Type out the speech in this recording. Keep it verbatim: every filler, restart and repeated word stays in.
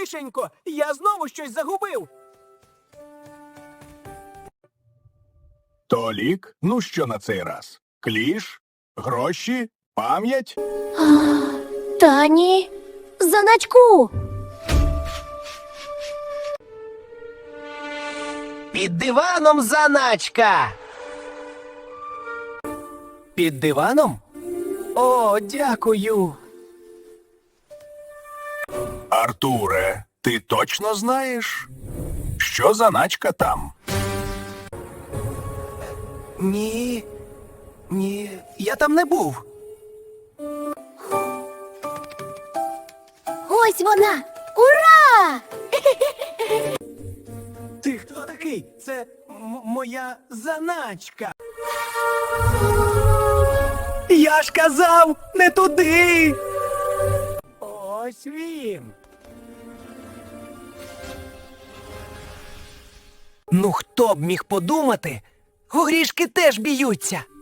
Тихенько, я знову щось загубив. Толік, ну що на цей раз? Кліш? Гроші? Пам'ять? Та ні. Заначку. Під диваном заначка. Під диваном? О, дякую. Артуре, ти точно знаєш, що заначка там? Ні. Ні, я там не був. Ось вона. Ура! Ти хто такий? Це м- моя заначка. Я ж казав, не туди. Ось він. Ну хто б міг подумати? Горішки теж б'ються.